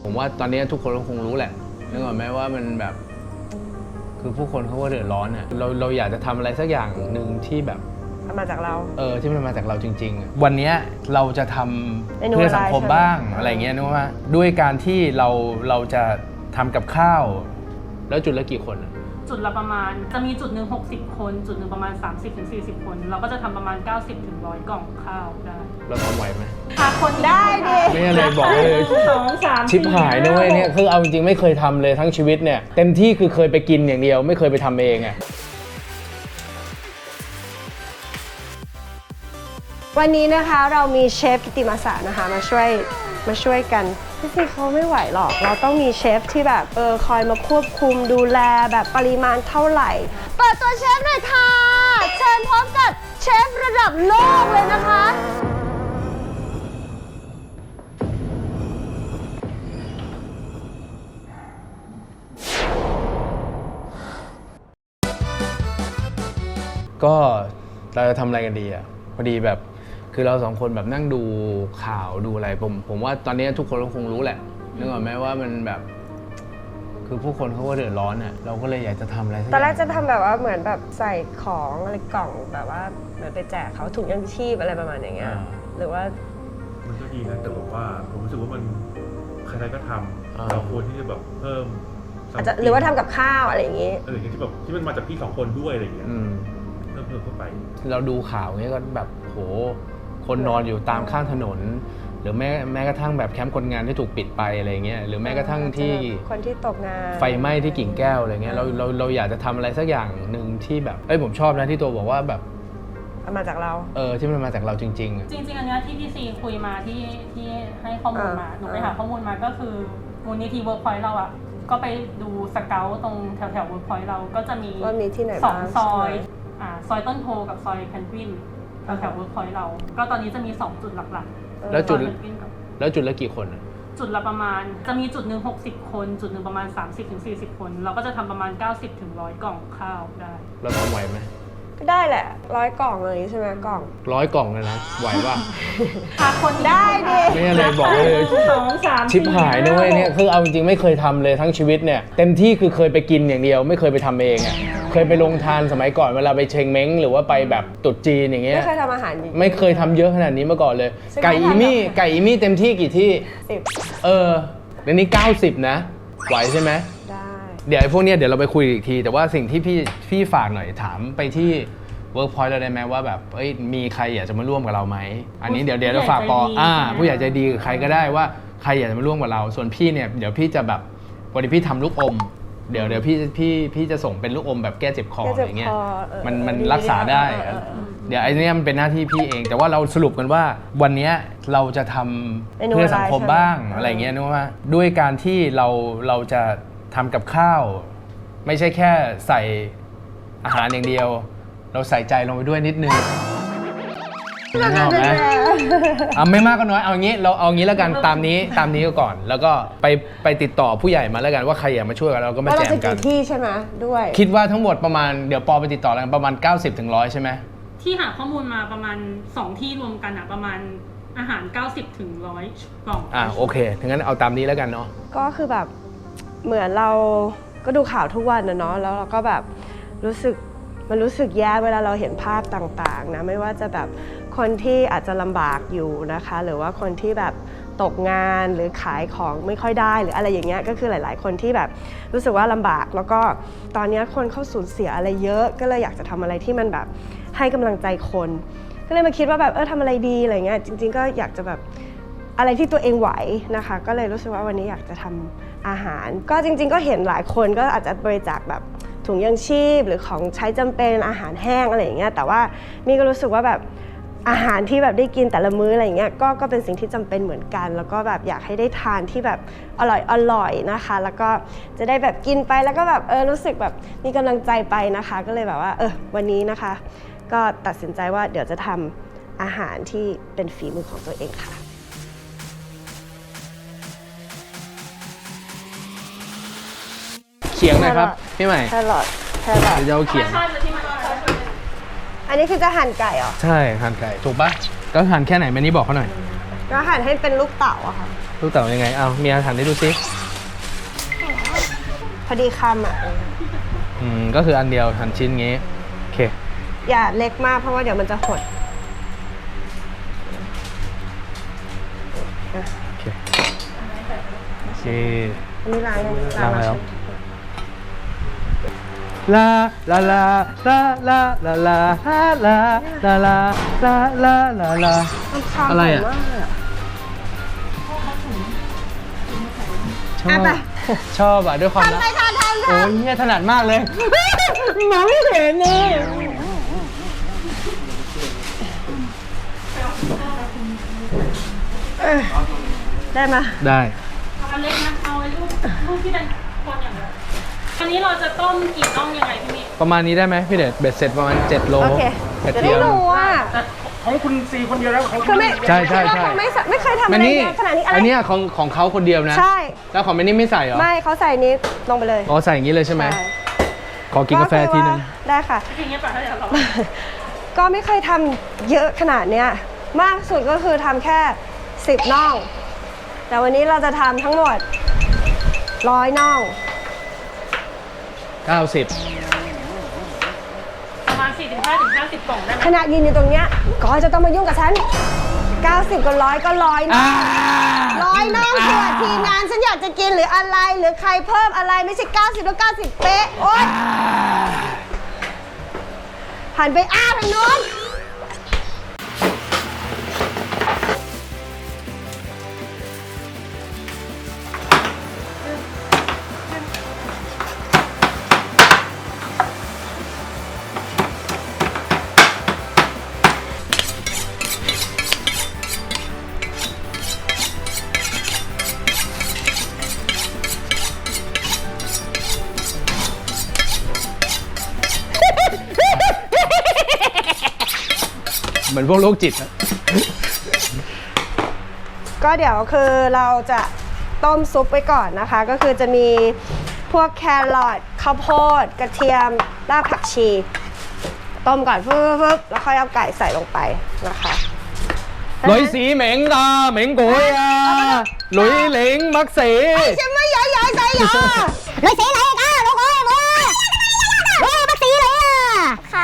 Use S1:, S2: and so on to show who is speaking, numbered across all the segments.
S1: ผมว่าตอนนี้ทุกคนก็คงรู้แหละนึกออกไหมว่ามันแบบคือผู้คนเขาก็เดือดร้อนอ่ะเราอยากจะทำอะไรสักอย่างหนึ่งที่แบบ
S2: มาจากเรา
S1: ที่มันมาจากเราจริงๆวันนี้เราจะทำเพื่อสังคมบ้างอะไรเงี้ยนึกว่าด้วยการที่เราจะทำกับข้าวแล้วจุดละกี่คน
S3: จุดละประมาณจะมีจุดหนึ่ง60 คนจุดหนึ่งประมาณ30-40 คนเราก็จะทำประมาณ90-100 กล่องข้าวได้
S1: เราทำไหวไหม
S3: คน
S2: ได้ดิ
S1: ไม่อะไรบอกเลย
S3: 2-3
S1: ชิปหายนะเว้ยเนี่ยคือเอาจริงๆไม่เคยทำเลยทั้งชีวิตเนี่ยเต็มที่คือเคยไปกินอย่างเดียวไม่เคยไปทำเองอะ
S2: วันนี้นะคะเรามีเชฟกิติมาสะนะคะมาช่วยกันที่จริงเขาไม่ไหวหรอกเราต้องมีเชฟที่แบบคอยมาควบคุมดูแลแบบปริมาณเท่าไหร่เปิดตัวเชฟหน่อยค่ะเชิญพบกับเชฟระดับโลกเลยนะคะ
S1: ก็เราจะทำอะไรกันดีอ่ะพอดีแบบคือเราสองคนแบบนั่งดูข่าวดูอะไรผมว่าตอนนี้ทุกคนก็คงรู้แหละนึกออกไหมว่ามันแบบคือผู้คนเขาก็เดือดร้อนอ่ะเราก็เลยอยากจะทำอะไร
S2: ตอนแรกจะทำแบบว่าเหมือนแบบใส่ของอะไรกล่องแบบว่าเหมือนไปแจกเขาถุงยังชีพอะไรประมาณอย่างเงี้ยหรือว่า
S4: มันก็ดีนะแต่แบบว่าผมรู้สึกว่ามันใครๆก็ทำเราควรที่จะแบบเพิ่ม
S2: อาจจะหรือว่าทำกับข้าวอะไรอย่างงี้
S4: อย่างที่แบบที่มันมาจากพี่2 คนด้วยอะไรอย่างเงี้ยเพิ่มเข้าไป
S1: เราดูข่าวเงี้ยก็แบบโหคนนอนอยู่ตามข้างถนนหรือแม้กระทั่งแบบแคมป์คนงานที่ถูกปิดไปอะไรเงี้ยหรือแม้กระทั่งที่
S2: คนที่ตกงาน
S1: ไฟไหม้ที่กิ่งแก้วอะไรเงี้ยเราอยากจะทำอะไรสักอย่างหนึ่งที่แบบผมชอบนะที่ตัวบอกว่าแบบ
S2: มาจากเรา
S1: ที่มันมาจากเราจริงๆ
S3: จริงอันนี้ที่พี่ซีคุยมาที่ให้ข้อมูลมาหนูไปหาข้อมูลมาก็คือมูลนิธิเวิร์กพอยต์เราอ่ะก็ไปดูสเกลตรงแถวเวิร์กพอยต์เราก็จะมี
S2: ที่ไหน
S3: 2 ซอยซอยต้นโพกับซอยแพนกวินแถวเวิร์กพอยต์เราก็ตอนนี้จะมี2 จุดหลักๆ
S1: แล้วจุดละกี่คน
S3: จุดละประมาณจะมีจุดหนึ่ง60 คนจุดหนึ่งประมาณ30-40 คนเราก็จะทำประมาณ90-100 กล่องข้าวได้
S1: เราทำไหวไหม
S2: ก็ได้แหละ100 กล่องเลยใช่ไหมกล่อง
S1: 100 กล่องเลยนะไหวป่ะ
S3: คน
S2: ได้ดิ
S1: ไม่อะไรบอกเลยชิปหายนะเว้ยเนี่ยคือเอาจริงๆไม่เคยทำเลยทั้งชีวิตเนี่ยเต็มที่คือเคยไปกินอย่างเดียวไม่เคยไปทำเองอ่ะเคยไปลงทานสมัยก่อนเวลาไปเชงเม้งหรือว่าไปแบบตุ๊ดจีนอย่างเงี้ย
S2: ไม่เคยทำอาหาร
S1: ไม่เคยทำเยอะขนาดนี้มาก่อนเลยไก่อีมี่เต็มที่กี่ที่
S2: 10
S1: เดี๋ยวนี้90นะไหวใช่ไหม
S2: ได้
S1: เดี๋ยวไอ้พวกเนี้ยเดี๋ยวเราไปคุยอีกทีแต่ว่าสิ่งที่พี่ฝากหน่อยถามไปที่Workpoint เราได้ไหมว่าแบบมีใครอยากจะมาร่วมกับเราไหมอันนี้เดี๋ยวเราฝากผู้ใหญ่ใจดีใครก็ได้ว่าใครอยากจะมาร่วมกับเราส่วนพี่เนี่ยเดี๋ยวพี่จะแบบวันนี้พี่ทำลูกอมเดี๋ยวพี่จะส่งเป็นลูกอมแบบแก้เจ็บคออะไรเงี้ยมันรักษาได้เดี๋ยวไอ้นี่มันเป็นหน้าที่พี่เองแต่ว่าเราสรุปกันว่าวันนี้เราจะทำเพื่อสังคมบ้างอะไรเงี้ยนึกว่าด้วยการที่เราจะทำกับข้าวไม่ใช่แค่ใส่อาหารอย่างเดียวเราใส่ใจลงไปด้วยนิดนึงไม่มากก็น้อยเอางี้เราเอางี้แล้วกันตามนี้ก็ก่อนแล้วก็ไปติดต่อผู้ใหญ่มาแล้วกันว่าใครอยากมาช่วยกันเราก็มาแจมกัน
S2: เราจะกี่ที่ใช่ไหมด้วย
S1: คิดว่าทั้งหมดประมาณเดี๋ยวปอไปติดต่อแล้วกันประมาณ90-100ใช่ไหม
S3: ที่หาข้อมูลมาประมาณ2 ที่รวมกันประมาณอาหาร90-100 กล่อง
S1: โอเคงั้นเอาตามนี้แล้วกันเนาะ
S2: ก็คือแบบเหมือนเราก็ดูข่าวทุกวันนะเนาะแล้วเราก็แบบรู้สึกแย่เวลาเราเห็นภาพต่างๆนะไม่ว่าจะแบบคนที่อาจจะลำบากอยู่นะคะหรือว่าคนที่แบบตกงานหรือขายของไม่ค่อยได้หรืออะไรอย่างเงี้ยก็คือหลายๆคนที่แบบรู้สึกว่าลำบากแล้วก็ตอนนี้คนเขาสูญเสียอะไรเยอะก็เลยอยากจะทำอะไรที่มันแบบให้กำลังใจคนก็เลยมาคิดว่าแบบทำอะไรดีอะไรเงี้ยจริงๆก็อยากจะแบบอะไรที่ตัวเองไหวนะคะก็เลยรู้สึกว่าวันนี้อยากจะทำอาหารก็จริงๆก็เห็นหลายคนก็อาจจะบริจาคแบบถุงยังชีพหรือของใช้จำเป็นอาหารแห้งอะไรอย่างเงี้ยแต่ว่านี่ก็รู้สึกว่าแบบอาหารที่แบบได้กินแต่ละมื้ออะไรอย่างเงี้ยก็เป็นสิ่งที่จำเป็นเหมือนกันแล้วก็แบบอยากให้ได้ทานที่แบบอร่อยนะคะแล้วก็จะได้แบบกินไปแล้วก็แบบรู้สึกแบบมีกำลังใจไปนะคะก็เลยแบบว่าวันนี้นะคะก็ตัดสินใจว่าเดี๋ยวจะทำอาหารที่เป็นฝีมือของตัวเองค่ะ
S1: เขียงนะครับพี่ใหม่
S2: แครอท
S1: เดี๋ยวเขียง
S2: อันนี้คือจะหั่นไก่เหรอ
S1: ใช่หั่นไก่ถูกปะก็หั่นแค่ไหนแม่นี้บอกเขาหน่อย
S2: ก็หั่นให้เป็นลูกเต๋าอะค่ะ
S1: ลูกเต๋ายังไงเอาเมียหันให้ดูสิ
S2: พอดีคำอะ
S1: ก็คืออันเดียวหั่นชิ้นงี้โอเค
S2: อย่าเล็กมากเพราะว่าเดี๋ยวมันจะหด
S1: โอเคโอเค
S2: อันนี้ล้างยัง
S1: ล้างแล้ว ลาลาลาลาลาลาลาลาลาลาลาลาลาลา
S2: มันคำ
S1: อะไรอะ
S2: มากเลยอะ
S1: ชอบชอบอ่ะด้วยความรัก
S2: ทำไปค่ะทำ
S1: โอ้
S2: ค่ะ
S1: ยเนี่ยถนัดมากเลยมองไม่เห็นเลย
S2: ได้ไหม
S1: ได้
S3: เอาอันเล็กนะเอาไอ้ลูกที่เป็นคนอย่างเดียวอันนี้เราจะต้มกี่น่องยังไงพี่เมย์
S1: ประมาณนี้ได้ไหมพี่เดชเบ็ดเสร็จประมาณ7 โล
S2: โอเค
S1: กระ
S2: จะ
S1: เที
S2: ได้
S1: ยม
S2: รู้ว่า
S4: ของคุณซีคนเดียวแล้วของ
S2: คือไม่
S1: ใช่ใช่
S2: คิดว่า
S1: ใช่
S2: เขาไม่เคยทำอะ
S1: อัน
S2: ไร
S1: นี้
S2: เยอะขนาดนี้อะไร
S1: อันเนี้ยของเขาคนเดียวนะ
S2: ใช่
S1: แล้วของแม่นี่ไม่ใส่เหรอ
S2: ไม่เขาใส่นี้ลงไปเลย
S1: อ๋อใส่อย่างนี้เลยใช่ไหม
S2: ใช่
S1: ขอกินกาแฟทีนึง
S2: ได้ค่ะ
S3: ทีนี้ป่ะถ้าเดี๋ยวเรา
S2: ก็ไม่เคยทำเยอะขนาดเนี้ยมากสุดก็คือทำแค่10 น่อง แต่วันนี้เราจะทำทั้งหมด100 น่อง
S1: 90
S3: ประมาณ 45-50 กล่องได้ไหม
S2: ขณะยืนอยู่ตรงเนี้ยก็จะต้องมายุ่งกับฉัน 90 กับ100 ก็100 น่อง100 น่องเผื่อทีมงานฉันอยากจะกินหรืออะไรหรือใครเพิ่มอะไรไม่ใช่ 90 แล้ว 90 เป๊ะ โอ๊ยหันไปทางโน้น
S1: เหมือนพวกโรคจิตอะ
S2: ก็เดี๋ยวคือเราจะต้มซุปไว้ก่อนนะคะ ก็คือจะมีพวกแครอทข้าวโพดกระเทียมรากผักชี ต้มก่อนฟึบแล้วค่อยเอาไก่ใส่ลงไปนะคะ
S1: หลุยสีเหม็งตาเหม็งกุยอ่ะหลุยเหลงมักเส
S2: ฉันไม่ย้ายใจหรอเลยสีอะไรกันลูกเอ้ยบัวบักสีเลยค่ะ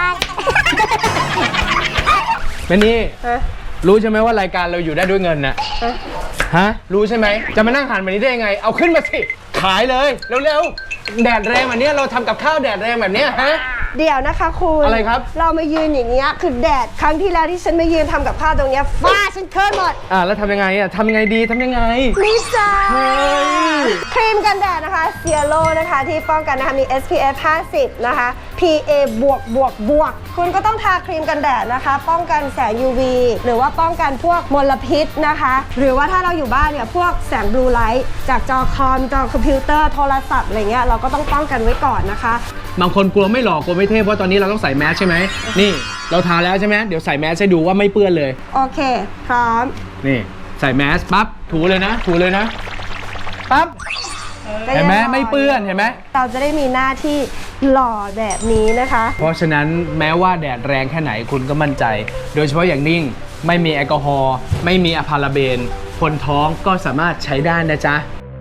S1: แม่นี่รู้ใช่ไหมว่ารายการเราอยู่ได้ด้วยเงินน่ะฮะรู้ใช่ไหมจะมานั่งหันแบบนี้ได้ยังไง เอาขึ้นมาสิขายเลยเร็วๆแดดแรงแบบนี้เราทำกับข้าวแดดแรงแบบนี้ฮะ
S2: เดี๋ยวนะคะคุณ
S1: อะไรครับ
S2: เรามายืนอย่างเงี้ยคือแดดครั้งที่แล้วที่ฉันมายืนทำกับข้าวตรงเนี้ยฟ้าฉันเคิร์นหมด
S1: แล้วทำยังไงอ่ะทำยังไงดีทำยังไง
S2: นี่จ้า
S1: เฮ้ย
S2: ครีมกันแดดนะคะเซียโ o นะคะที่ป้องกันนะคะมี SPF 50 นะคะ PA บวกบวกบวกคุณก็ต้องทาครีมกันแดดนะคะ ป้องกันแสง UV หรือว่าป้องกันพวกมลพิษนะคะ หรือว่าถ้าเราอยู่บ้านเนี่ยพวกแสงบลูไลท์จากจอคอมจอคอมพิวเตอร์โทรศัพท์อะไรเงี้ยเราก็ต้องป้องกันไว้ก่อนนะคะ
S1: บางคนกลัวไม่หล่อกลัวไม่เท่เพราะตอนนี้เราต้องใส่แมสใช่ไหมนี่เราทาแล้วใช่ไหมเดี๋ยวใส่แมสให้ดูว่าไม่เปื้อนเลย
S2: โอเค พร้อม
S1: นี่ใส่แมสปั๊บถูเลยนะถูเลยนะปั๊บเห็นไหมไม่เปื้อนเห็นไหม
S2: เราจะได้มีหน้าที่หล่อแบบนี้นะคะ
S1: เพราะฉะนั้นแม้ว่าแดดแรงแค่ไหนคุณก็มั่นใจ โดยเฉพาะอย่างยิ่งไม่มีแอลกอฮอล์ไม่มีอะพาราเบนคนท้องก็สามารถใช้ได้นะจ๊ะ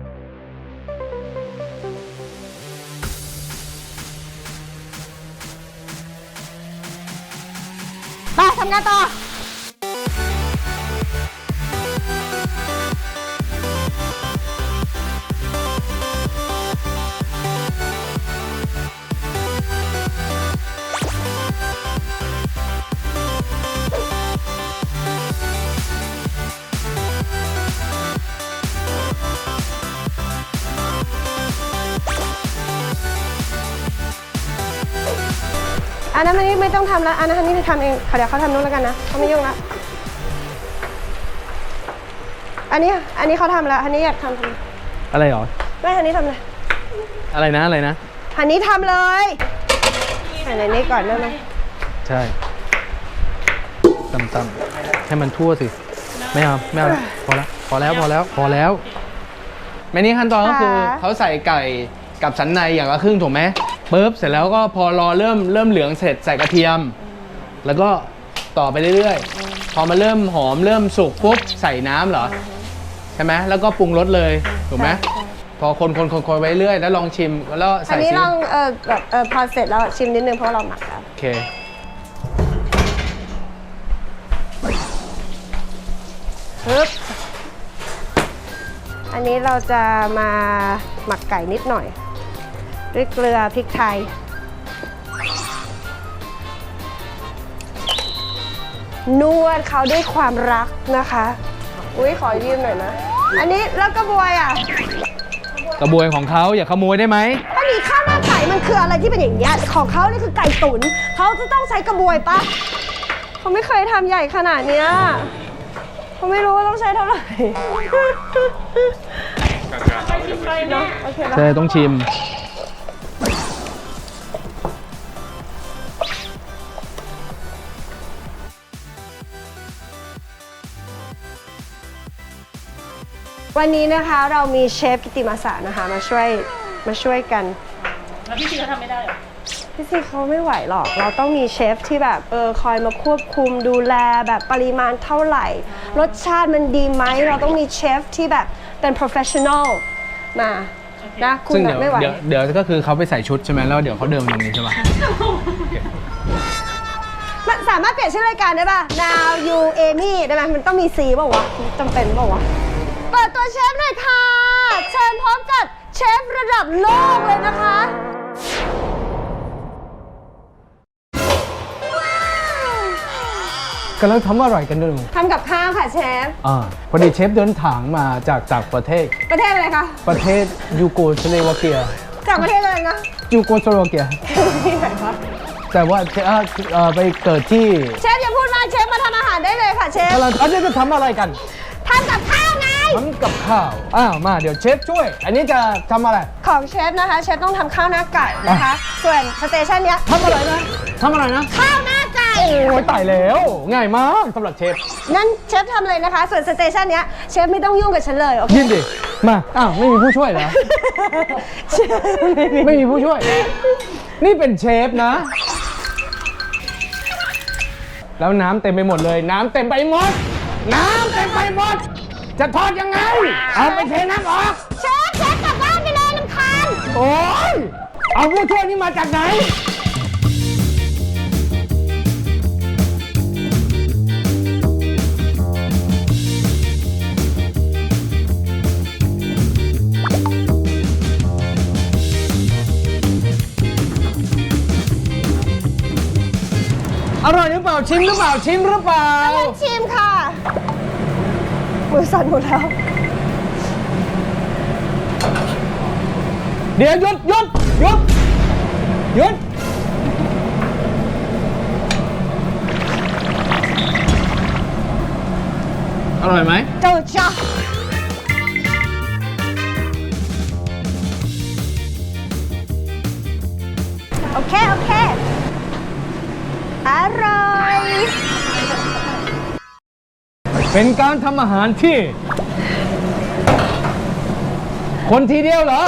S2: ไปทำงานต่อ อันนั้นมันไม่ต้องทำแล้ว อันนั้นนี่ทำเองเดี๋ยวเขาทำนู้นแล้วกันนะเขาไม่ยุ่งละอันนี้เขาทำแล้วอันนี้อยากทำ
S1: อะไรหรอ
S2: ไม่อันนี้ทำเลย
S1: อะไรนะอะไรนะ
S2: อันนี้ทำเลยใส่ในนี้ก่อนได้ไหม
S1: ใช่ตำๆให้มันทั่วสิไม่เอาพอแล้วพอแล้วแม่นี่ขั้นตอนก็คือเขาใส่ไก่กับสันในอย่างละครึ่งถูกไหมปุ๊บเสร็จแล้วก็พอรอเริ่มเหลืองเสร็จใส่กระเทียม แล้วก็ต่อไปเรื่อยพอมันเริ่มหอมเริ่มสุกปุ๊บใส่น้ำเหรอใช่ไหมแล้วก็ปรุงรสเลยถูกไหม
S2: ใช่
S1: พอคนไปเรื่อยแล้วลองชิมแล้ว
S2: อั
S1: ใส่
S2: นนี้
S1: ซี
S2: ลองแบบพอเสร็จแล้วชิมนิดนึงเพราะเราหมักแล้ว
S1: โอเค
S2: ปึ๊บอันนี้เราจะมาหมักไก่นิดหน่อย ด้วยเกลือพริกไทย นวดเขาด้วยความรักนะคะ อุ้ยขอยืมหน่อยนะ อันนี้แล้วกระบวยอ่ะ
S1: กระบวยของเขาอย่าขโมยได้ไหม
S2: อันนี้ข้าวหน้าไก่มันคืออะไรที่เป็นอย่างเงี้ยของเขานี่คือไก่ตุ๋นเขาจะต้องใช้กระบวยปะเขาไม่เคยทำใหญ่ขนาดเนี้ยเขาไม่รู้ว่าต้องใช้เท่าไหร่
S3: ไปชิมเลยแม่
S2: โอเคปะ
S1: ใช่ต้องชิม
S2: วันนี้นะคะเรามีเชฟกิติมาสะนะคะมาช่วยกัน
S3: แล้วพี่ซีเขาทำไม่ได้เหรอ
S2: พี่ซีเขาไม่ไหวหรอก เราต้องมีเชฟที่แบบคอยมาควบคุมดูแลแบบปริมาณเท่าไหร่ รสชาติมันดีไหม เราต้องมีเชฟที่แบบเป็น professional มานะคุณ
S1: ซึ่ง
S2: แบบไม่ไหว
S1: เดี๋ยวก็คือเขาไปใส่ชุดใช่ไหมแล้วเดี๋ยวเขาเดินมาตรงนี้ใช่ปะ
S2: มันสามารถเปลี่ยนชื่อรายการได้ป่ะ Now You Amy ได้ไหมมันต้องมี C ป่าวะจำเป็นป่าวะเปิดตัวเชฟหน่อยค่ะ เชิญพร้อมกับเชฟระดับโลกเลยนะคะ
S1: กำลังทำอะไรกันด้วย
S2: ทำกับข้าวค่ะเชฟ
S1: พอดีเชฟเดินทางมาจากประเทศ
S2: ประเทศอะไรคะ
S1: ประเทศยูโกสลาวาเกีย
S2: จากประเทศอะไรนะ
S1: ยูโกสลาวาเกีย
S2: ที่ไหนคะ
S1: แต่ว่าไปเกิดที่
S2: เชฟอย่าพูดมากเชฟมาทำอาหารได้เลยค่ะเชฟ
S1: กำลังอันนี้จะทำอะไรกัน
S2: ทำกับข้าวไง
S1: ทำกับข้าวมาเดี๋ยวเชฟช่วย อันนี้จะทำอะไร
S2: ของเชฟนะคะ เชฟต้องทำข้าวหน้าไก่นะคะ ส่วนสเตชันเนี้ย
S1: ทำอะไรนะทำอะไรนะ
S2: ข้าวหน้าไก่
S1: โอ้ยตายแล้ว ง่ายมากสำหรับเชฟ
S2: งั้นเชฟทำเลยนะคะ ส่วนสเตชันเนี้ยเชฟไม่ต้องยุ่งกับฉันเลยโอเค
S1: ยินดิมาไม่มีผู้ช่วยเหรอ
S2: เชฟไม่มี
S1: ไม่มีผู้ช่วย นี่เป็นเชฟนะ แล้วน้ำเต็มไปหมดเลย น้ำเต็มไปหมด น้ำเต็มไปหมด จะทอดยังไง เอาไปเทน้ำออก
S2: เชฟกลับบ้านไปเลยน้ำคัน
S1: โอ้ยเอาผู้ช่วยนี่มาจากไหน อร่อยหรือเปล่า ชิมหรือเปล่า ชิมหรือเปล่า
S2: ชิมค่ะ มือสั่นหมดแล้ว
S1: เดี๋ยวหยุดหยุดหยุดหยุดอร่อยไหม
S2: เจ้าจ้าโอเค โอเค อร่อย
S1: เป็นการทำอาหารที่ คนทีเดียวเหรอ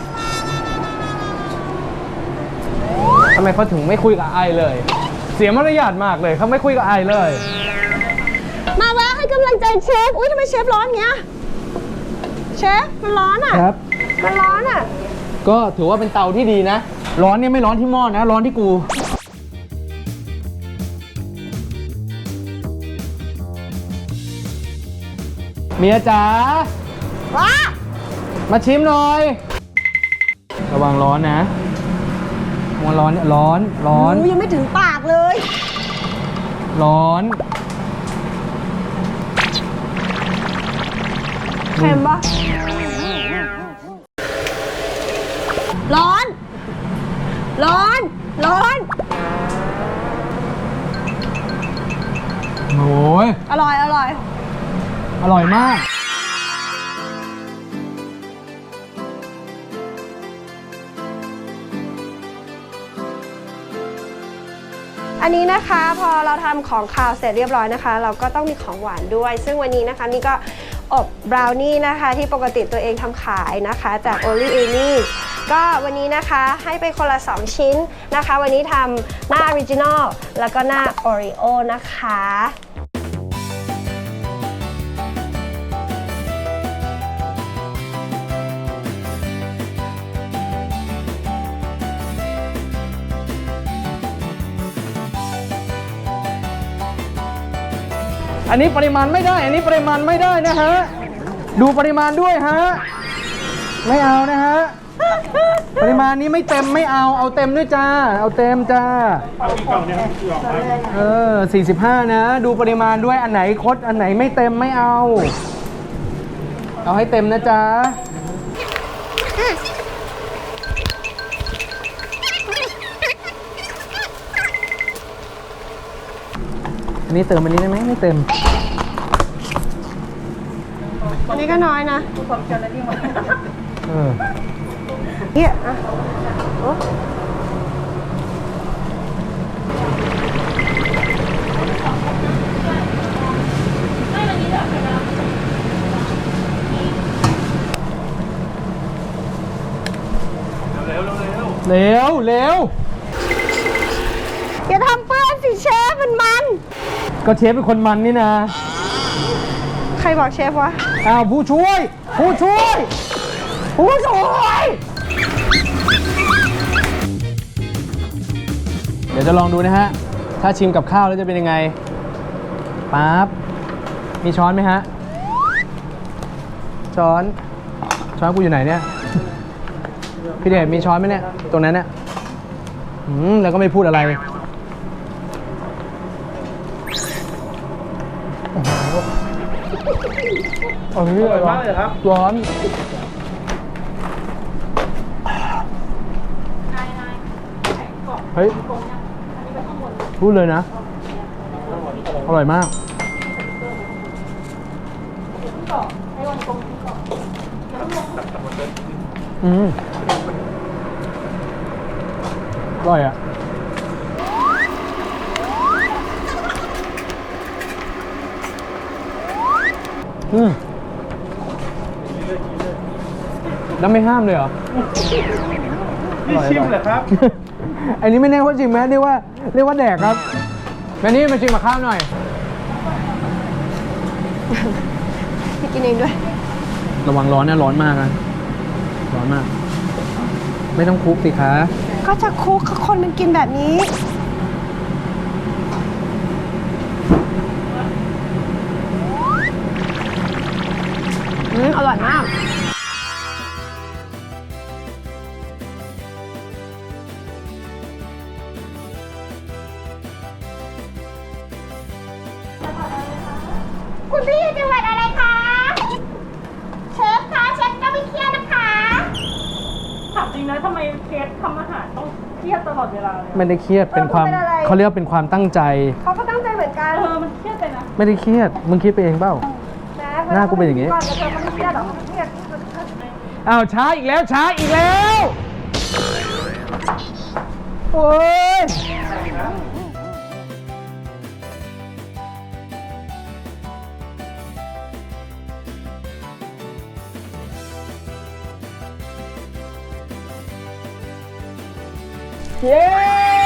S1: ทำไมเขาถึงไม่คุยกับไอเลย เสียมารยาทมากเลยเขาไม่คุยกับไอเลย
S2: มาแวะให้กำลังใจเชฟ อุ้ยทำไมเชฟร้อนเงี้ย เชฟ มันร้อนอ่ะ
S1: ครับ
S2: มันร้อนอ่ะ
S1: ก็ถือว่าเป็นเตาที่ดีนะ ร้อนเนี่ยไม่ร้อนที่หม้อนะ ร้อนที่กู เมียจ๋า
S2: ว้า
S1: มาชิมหน่อย ระวังร้อนนะระวังร้อนเนี่ยร้อนร้อน
S2: หนูยังไม่ถึงปากเลย
S1: ร้อน
S2: เค็มปะร้อน ร้อน ร้อน
S1: โอ้ย
S2: อร่อย อร่อย
S1: อร่อยมาก
S2: อันนี้นะคะพอเราทำของคาวเสร็จเรียบร้อยนะคะ เราก็ต้องมีของหวานด้วย ซึ่งวันนี้นะคะนี่ก็อบบราวนี่นะคะที่ปกติตัวเองทำขายนะคะจาก Only Amy ก็วันนี้นะคะให้ไปคนละ 2 ชิ้นนะคะ วันนี้ทำหน้า Original แล้วก็หน้า Oreo นะคะ
S1: อันนี้ปริมาณไม่ได้ อันนี้ปริมาณไม่ได้นะฮะ ดูปริมาณด้วยฮะ ไม่เอานะฮะ ปริมาณนี้ไม่เต็มไม่เอา เอาเต็มด้วยจ้า เอาเต็มจ้า
S4: เอาอีกกล่องเนี่ยคือออกไป
S1: 45 นะ ดูปริมาณด้วย อันไหนคด อันไหนไม่เต็มไม่เอา เอาให้เต็มนะจ๊ะ อันนี้เติมอันนี้ได้ไหมไม่เต็ม
S2: อันนี้ก็น้อยนะ
S1: เออ
S2: เนี่ยอ่ะโอ้
S4: เร็ว
S1: เร็วเร็ว
S2: อย่าทำเปื้อนสิเชฟมัน
S1: ก็เชฟเป็นคนมันนี่นะ
S2: ใครบอกเชฟวะ
S1: อ้าวผู้ช่วย ผู้ช่วย ผู้ช่วย เดี๋ยวจะลองดูนะฮะ ถ้าชิมกับข้าวแล้วจะเป็นยังไงปั๊บมีช้อนไหมฮะ ช้อนกูอยู่ไหนเนี่ย พี่เดชมีช้อนไหมเนี่ย ตรงนั้นเนี่ยแล้วก็ไม่พูดอะไร
S4: อร่อยมากเลยครับ
S1: ร้อนเฮ้ยพูดเลยนะ อร่อยมากอร่อยอ่ะแล้วไม่ห้ามเลยเหรอ
S4: นี่ชิมเหรอครับ
S1: อันนี้ไม่แน่ว่าชิมไหมเรียกว่าแดกครับแม่นี่มาชิมกับข้าวหน่อย
S2: พี่กินเองด้วย
S1: ระวังร้อนนะร้อนมากนะร้อนมาก ไม่ต้องคลุกสิคะ
S2: ก็จะคุกคนมันกินแบบนี้ อร่อยมาก
S5: คุณพี่อยู่จังหวัดอะไรคะ เชฟคะเชฟก็ไม่เครียดนะคะ
S3: ถามจริงนะทำไมเชฟทำอาหารต้องเครียดตลอดเวลาเลย
S1: ไม่ได้เครียดเป็นความ
S2: เป็นอะไร
S1: เขาเรียกว่าเป็นความตั้งใจ
S2: เขาก็ตั้งใจเหมือนกัน
S3: มันเครียดไปนะ
S1: ไม่ได้เครียดมึงคิดไปเองเปล่า หน้ากูเป็นอย่างงี้
S2: ก่อนแล้วเธอก็ไม่เครียดหรอกไม่เครียด
S1: อ้าวช้าอีกแล้วช้าอีกแล้วโอ้ยเย้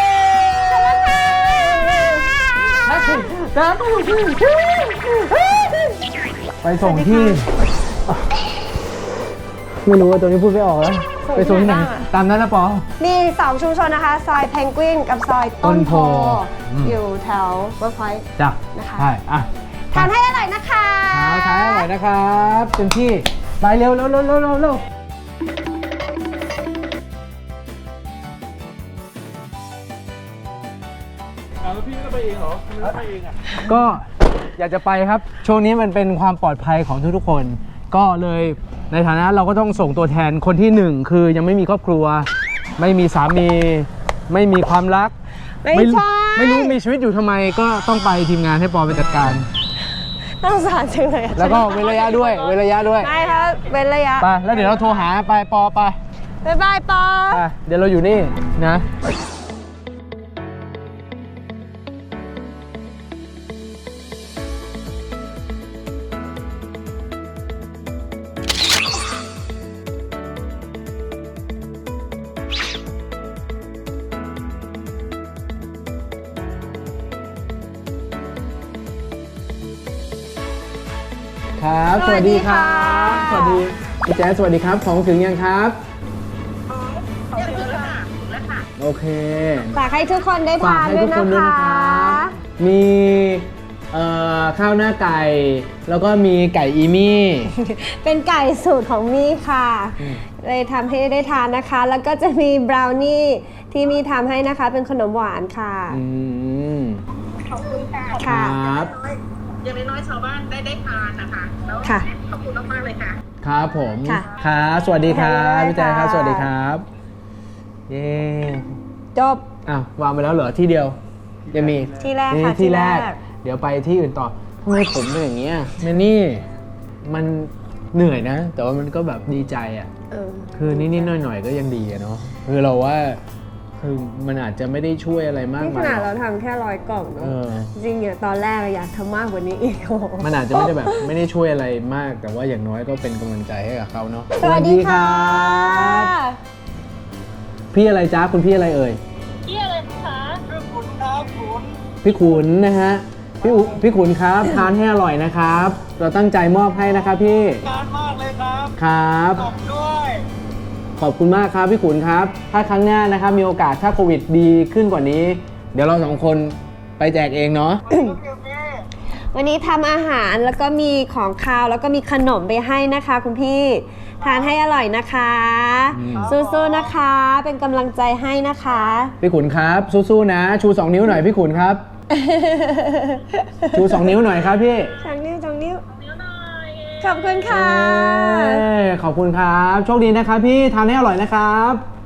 S1: นัดไปส่งที่ ไม่รู้ว่าตัวนี้พูดไม่ออกแล้ว ไปส่งที่ไหน ตามนั้นนะปอ
S2: มี2ชุมชนนะคะ ซอยเพนกวินกับซอยต้นโพ อยู่แถวเวิร์กพอยต์
S1: จ้ะ
S2: นะคะ
S1: ใช่อ่ะ
S2: ทานให้อร่อยนะคะ
S1: ขายอร่อยนะครับเต็มที่ ไปเร็วเร็วเร็วเร็วเร็วเร็วแล้วพี่ก็ไปเองเหรอไม่ไปเองอ่ะ ก็อยากจะไปครับ ช่วงนี้มันเป็นความปลอดภัยของทุกๆคน ก็เลยในฐานะเราก็ต้องส่งตัวแทนคนที่หนึ่งคือยังไม่มีครอบครัว ไม่มีสามี ไม่มีความรัก
S2: ไม่ใช่
S1: ไม่รู้มีชีวิตอยู่ทำไมก็ต้องไปทีมงานให้ปอไปจัดการ
S2: น่าสงสารจังเลยอะ
S1: แล้วก็เว้นระยะด้วย เว้นระยะด้วย
S2: ไม่ครับเว้นระยะ
S1: ไป แล้วเดี๋ยวเราโทรหาไปปอไป
S2: บ๊ายบายปอ
S1: ไป เดี๋ยวเราอยู่นี่นะ ครับ สวัสดีครับ สวัสดีพี่แจ๊สสวัสดีครับ ของถึงยังครับ โอเค
S2: ฝากให้ทุกคนได้
S1: ฝาก
S2: ทาน
S1: ให้
S2: ด้ว
S1: ทุ
S2: ย
S1: ก
S2: นะ
S1: คนด้วย
S2: คะ
S1: นะครับ มีข้าวหน้าไก่ แล้วก็มีไก่อีมี่
S2: เป็นไก่สูตรของมี่ค่ะ
S1: อืม
S2: เลยทำให้ได้ทานนะคะ แล้วก็จะมีบราวนี่ที่มี่ทำให้นะคะ เป็นขนมหวานค่ะ
S1: อืม
S5: ขอบคุณค่ะ
S1: ค
S2: ค่ะ
S1: รับ
S5: อย่างน้อยๆชาวบ้านได้ทานนะคะแล้ว
S2: ค่ะ
S5: ขอบคุณมากๆเลยค่ะ
S1: ครับผม
S2: ค่ะ
S1: ครับสวัสดีครับ
S2: ได้
S1: พี่แจ๊คครับ
S2: ค่ะ
S1: สวัสดีครับ เย้
S2: จบ
S1: อ้าววางไปแล้วเหรอที่เดียวยังมี
S2: ที่แรกค่ะ
S1: ที่แรก
S2: ที่แรก
S1: เดี๋ยวไปที่อื่นต่อทำไมผมเป็นอย่างเงี้ยแมนนี่มันเหนื่อยนะ แต่ว่ามันก็แบบดีใจอ่ะ
S2: เออ
S1: คือนิดๆหน่อยๆก็ยังดีอะเนาะคือเราว่าคือมันอาจจะไม่ได้ช่วยอะไรมาก
S2: นี่ข
S1: มาย
S2: นาด
S1: หร
S2: เรา
S1: อก
S2: ทำแค่100 กล่อง
S1: เอ
S2: เนาะ
S1: อ
S2: จริงๆเนี่ยตอนแรกอยากทำมากกว่านี้อีกโอ้โห
S1: มันอาจจะไม่ได้แบบ ไม่ได้ช่วยอะไรมาก แต่ว่าอย่างน้อยก็เป็นกำลังใจให้กับเขาเนาะ
S2: สวัสดีค่ะ
S1: บพี่อะไรจ้าคุณพี่อะไรเอ่ย
S3: พี่อะไรคะ
S1: พี่ขุนนะฮะพี่ขุนครับทานให้อร่อยนะครับ เราตั้งใจมอบให้นะครับพี่ทานมากเลยครับครับขอบด้วยขอบคุณมากครับพี่ขุนครับ ถ้าครั้งหน้านะครับมีโอกาสถ้าโควิดดีขึ้นกว่านี้ เดี๋ยวเราสองคนไปแจกเองเนาะ
S2: วันนี้ทำอาหารแล้วก็มีของคาวแล้วก็มีขนมไปให้นะคะ คุณพี่ทานให้อร่อยนะคะ
S1: อืม
S2: สู้ๆนะคะ เป็นกำลังใจให้นะคะ
S1: พี่ขุนครับสู้ๆนะ ชู2นิ้วหน่อยพี่ขุนครับ ชู2นิ้วหน่อยครับพี่
S2: สองนิ้วขอบคุณค่ะ
S1: เอ้ยขอบคุณครับโชคดีนะครับพี่ทานให้อร่อยนะครับ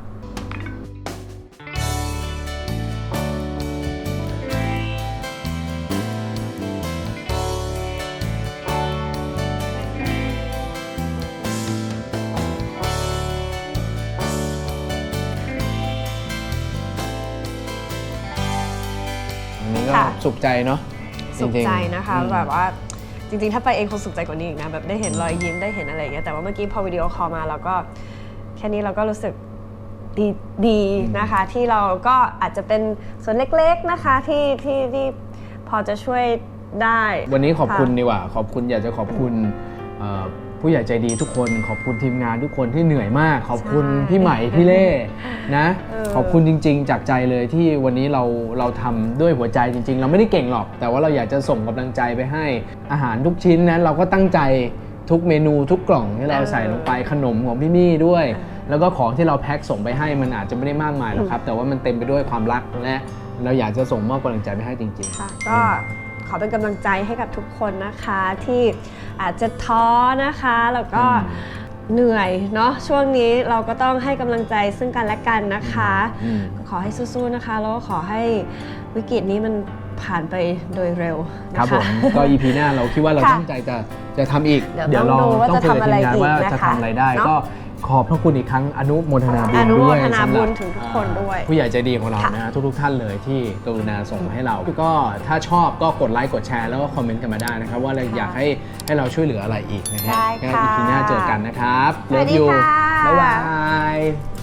S1: อันนี้ก็
S2: ค่ะ
S1: สุขใจเนาะ
S2: สุข
S1: ริงๆ
S2: ใจนะคะ
S1: อืม
S2: แบบว่าจริงๆ ถ้าไปเองคงสุขใจกว่านี้อีกนะแบบได้เห็นรอยยิ้มได้เห็นอะไรอย่างเงี้ยแต่ว่าเมื่อกี้พอวิดีโอคอลมาเราก็แค่นี้เราก็รู้สึกดีนะคะ ที่เราก็อาจจะเป็นส่วนเล็กๆนะคะที่พอจะช่วยได้
S1: วันนี้ขอบคุณ
S2: ะ
S1: ดีกว่า ขอบคุณอยากจะขอบคุณผู้ใหญ่ใจดีทุกคน ขอบคุณทีมงานทุกคนที่เหนื่อยมาก ขอบคุณ
S2: ใช่
S1: พี่ใหม่พี่เล่นะ
S2: เออ
S1: ขอบคุณจริง ๆ จากใจเลยที่วันนี้เราทำด้วยหัวใจจริง ๆ เราไม่ได้เก่งหรอก แต่ว่าเราอยากจะส่งกำลังใจไปให้อาหารทุกชิ้นนั้นเราก็ตั้งใจทุกเมนูทุกกล่องที่เราใส่ลงไปขนมของพี่มี่ด้วย แล้วก็ของที่เราแพ็คส่งไปให้มันอาจจะไม่ได้มากมายหรอกครับ แต่ว่ามันเต็มไปด้วยความรักและเราอยากจะส่งมอบกำลังใจไปให้จริง
S2: ค่ะก็ขอเป็นกำลังใจให้กับทุกคนนะคะที่อาจจะท้อนะคะแล้วก็
S1: อืม
S2: เหนื่อยเนาะช่วงนี้เราก็ต้องให้กำลังใจซึ่งกันและกันนะคะ
S1: อืม
S2: ขอให้สู้ๆนะคะแล้วก็ขอให้วิกฤตนี้มันผ่านไปโดยเร็ว
S1: ๆ
S2: นะะ
S1: ครับผมก็ EP หน้าเราคิดว่าเรา
S2: ค่ะ
S1: ตั้งใจจะทำอีก
S2: เดี๋ยวต้องดูว่าจะทำอะไรอีก
S1: ว่า
S2: นะคะ
S1: จะทำอะไรได้
S2: เนอะ
S1: ก็ขอบพระคุณอีกครั้งอนุโมทนาบุญ
S2: อนุโม
S1: ด้วย
S2: ทนา
S1: สำห
S2: บุ
S1: รับ
S2: ญถึงทุกคนด้วย
S1: ผู้ใหญ่ใจดีของเรา
S2: ค่ะ
S1: นะทุกท่านเลยที่กรุณาส่งมาให้เรา ก็ถ้าชอบก็กดไลค์กดแชร์แล้วก็คอมเมนต์กันมาได้นะครับ ว่าเราอยากให้เราช่วยเหลืออะไรอีกนะฮะ
S2: ได้
S1: งั้น
S2: ค่ะ
S1: EP หน้าเจอกันนะครับ
S2: สวัสดี
S1: Love you
S2: ค่ะ
S1: บ๊ายบาย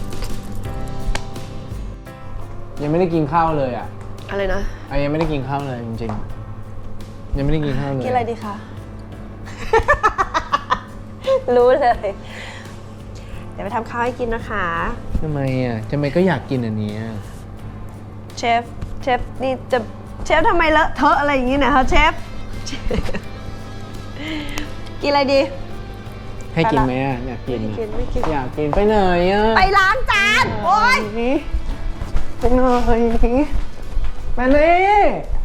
S1: ยังไม่ได้กินข้าวเลยอ่ะ
S2: อะไรนะ
S1: ยังไม่ได้กินข้าวเลยจริงๆยังไม่ได้กินข้าวเลย
S2: กินอะไรดีคะ รู้เลย เดี๋ยวไปทำข้าวให้กินนะคะ
S1: ทำไมก็อยากกินอันเนี้ย
S2: เชฟนี่จะเชฟทำไมเลอะเทอะอะไรอย่างนี้นะคะเชฟ กินอะไรดี
S1: ให้กินไหมอ่ะอยากกิน
S2: ไม่
S1: อะ
S2: กินไม่กิน
S1: อยากกินไปไหนอ่ะ
S2: ไปล้างจาน โอ๊ย
S1: ไปหน่อยไปเลย